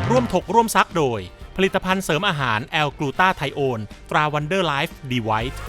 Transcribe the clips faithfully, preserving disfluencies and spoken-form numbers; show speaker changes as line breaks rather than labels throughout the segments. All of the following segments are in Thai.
ร่วมถกร่วมซักโดยผลิตภัณฑ์เสริมอาหารแอลกลูตาไทโอนตราวันเดอร์ไลฟ์ดีไวท์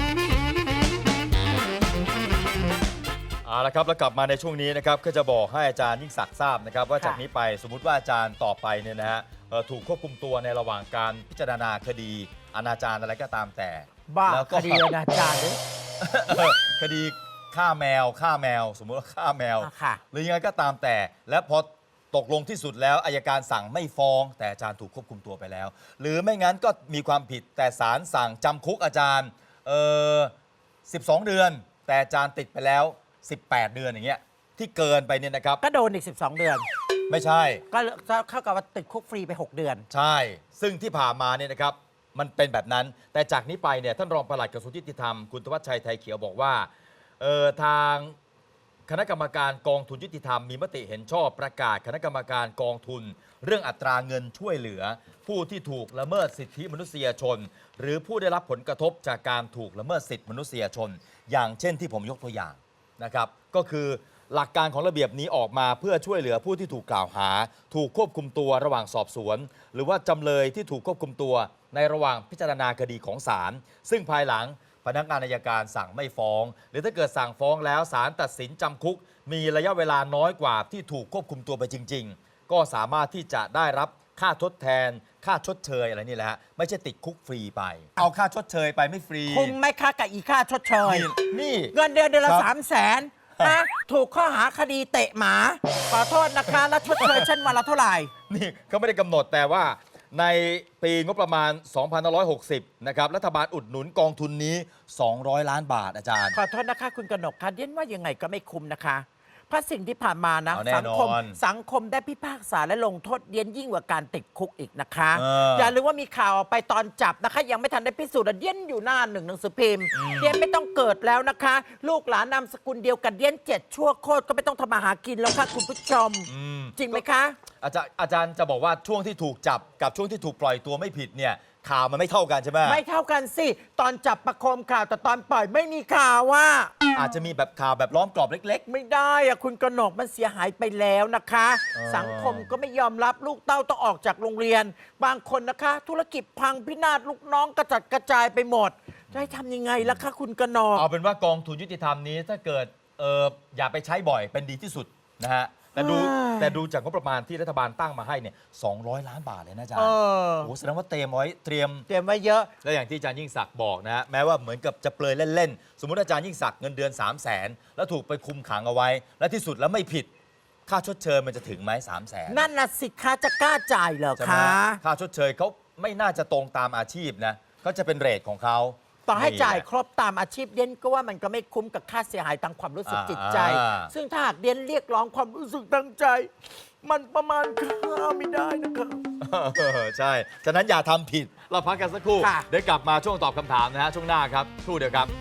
เอาละครับแล้วกลับมาในช่วงนี้นะครับก็จะบอกให้อาจารย์ยิ่งศักดิ์ทราบนะครับว่าจากนี้ไปสมมุติว่าอาจารย์ต่อไปเนี่ยนะฮะถูกควบคุมตัวในระหว่างการพิจารณาคดีอนาจารอะไรก็ตามแต่
บ้า
แล้วก็
คดีอนาจารเลย
คดีฆ่าแมวฆ่าแมวสมมุติว่าฆ่าแมวหรือยังไงก็ตามแต่และพอตกลงที่สุดแล้วอัยการสั่งไม่ฟ้องแต่อาจารย์ถูกควบคุมตัวไปแล้วหรือไม่งั้นก็มีความผิดแต่ศาลสั่งจำคุกอาจารย์เออสิบสองเดือนแต่อาจารย์ติดไปแล้วสิบแปดเดือนอย่างเงี้ยที่เกินไปเนี่ยนะครับ
ก็โดนอีกสิบสองเดือน
ไม่ใช่
ก็เข้ากับว่าติดคุกฟรีไปหกเดือน
ใช่ซึ่งที่ผ่านมาเนี่ยนะครับมันเป็นแบบนั้นแต่จากนี้ไปเนี่ยท่านรองปลัดกระทรวงยุติธรรมคุณธวัชชัยไทยเขียวบอกว่าเออทางคณะกรรมการกองทุนยุติธรรมมีมติเห็นชอบประกาศคณะกรรมการกองทุนเรื่องอัตราเงินช่วยเหลือผู้ที่ถูกละเมิดสิทธิมนุษยชนหรือผู้ได้รับผลกระทบจากการถูกละเมิดสิทธิมนุษยชนอย่างเช่นที่ผมยกตัวอย่างนะครับก็คือหลักการของระเบียบนี้ออกมาเพื่อช่วยเหลือผู้ที่ถูกกล่าวหาถูกควบคุมตัวระหว่างสอบสวนหรือว่าจำเลยที่ถูกควบคุมตัวในระหว่างพิจารณาคดีของศาลซึ่งภายหลังพนักงานอัยการสั่งไม่ฟ้องหรือถ้าเกิดสั่งฟ้องแล้วศาลตัดสินจำคุกมีระยะเวลาน้อยกว่าที่ถูกควบคุมตัวไปจริงๆก็สามารถที่จะได้รับค่าทดแทนค่าชดเชยอะไรนี่แหละฮะไม่ใช่ติดคุกฟรีไปเอาค่าชดเชยไปไม่ฟรี
คุ้มไหมค่ากับอีค่าชดเชย
นี่
เงินเดือนเดือนละสามแสนนะถูกข้อหาคดีเตะหมาขอโทษนะคะแล้วชดเชยฉันวันละเท่าไหร่
นี่เขาไม่ได้กำหนดแต่ว่าในปีงบประมาณ สองพันห้าร้อยหกสิบ นะครับรัฐบาลอุดหนุนกองทุนนี้ สองร้อย ล้านบาทอาจารย์
ขอโทษนะคะคุณกนกคะเดียนว่ายังไงก็ไม่คุ้มนะคะเพราะสิ่งที่ผ่านมานะสังคมสังคมได้พิพากษาและลงโทษเดียนยิ่งกว่าการติดคุกอีกนะคะอย่าลืมว่ามีข่าวออกไปตอนจับนะคะยังไม่ทันได้พิสูจน์เดียนอยู่หน้าหนึ่งหนังสือพิมพ์เดียนไม่ต้องเกิดแล้วนะคะลูกหลานนามสกุลเดียวกันเดียนเจ็ดชั่วโคตรก็ไม่ต้องทำมาหากินแล้วค่ะคุณผู้ชมจริงไหมคะ
อาจารย์อาจารย์จะบอกว่าช่วงที่ถูกจับกับช่วงที่ถูกปล่อยตัวไม่ผิดเนี่ยข่าวมันไม่เท่ากันใช่ไหม
ไม่เท่ากันสิตอนจับประโคมข่าวแต่ตอนปล่อยไม่มีข่าวว่า
อาจจะมีแบบข่าวแบบล้อมกรอบเล็ก
ๆไม่ได้อะคุณกนกมันเสียหายไปแล้วนะคะสังคมก็ไม่ยอมรับลูกเต้าต้องออกจากโรงเรียนบางคนนะคะธุรกิจพังพินาศลูกน้องกระจัดกระจายไปหมดจะให้ทำยังไงล่ะคะคุณกนก
เอาเป็นว่ากองทุนยุติธรรมนี้ถ้าเกิดเอออย่าไปใช้บ่อยเป็นดีที่สุดนะฮะแต่ดูแต่ดูจากงบประมาณที่รัฐบาลตั้งมาให้เนี่ยสองร้อยล้านบาทเลยนะอาจารย์โอ้แสดงว่าเตรียมไว้เตรียม
เตรียมไว้เยอะ
และอย่างที่อาจารย์ยิ่งศักดิ์บอกนะฮะแม้ว่าเหมือนกับจะเปลยเล่นๆสมมุติอาจารย์ยิ่งศักดิ์เงินเดือนสามแสนแล้วถูกไปคุมขังเอาไว้และที่สุดแล้วไม่ผิดค่าชดเชยมันจะถึงไหมสามแสน
นั่นน่ะสิคะจะกล้าจ่ายเหรอคะ
ค่าชดเชยเขาไม่น่าจะตรงตามอาชีพนะเขาจะเป็นเรทของเขา
ต่อให้จ่ายครบตามอาชีพเดียนก็ว่ามันก็ไม่คุ้มกับค่าเสียหายทางความรู้สึกจิตใจซึ่งถ้าหากเดียนเรียกร้องความรู้สึกทางใจมันประมาณค่าไม่ได้นะครับ
ใช่ฉะนั้นอย่าทำผิดเราพักกันสักครู่เดี๋ยวกลับมาช่วงตอบคำถามนะฮะช่วงหน้าครับครู่เดียวครับ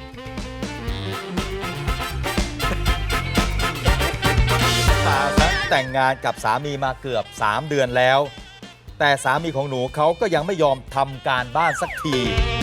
แต่งงานกับสามีมาเกือบสามเดือนแล้วแต่สามีของหนูเขาก็ยังไม่ยอมทำการบ้านสักที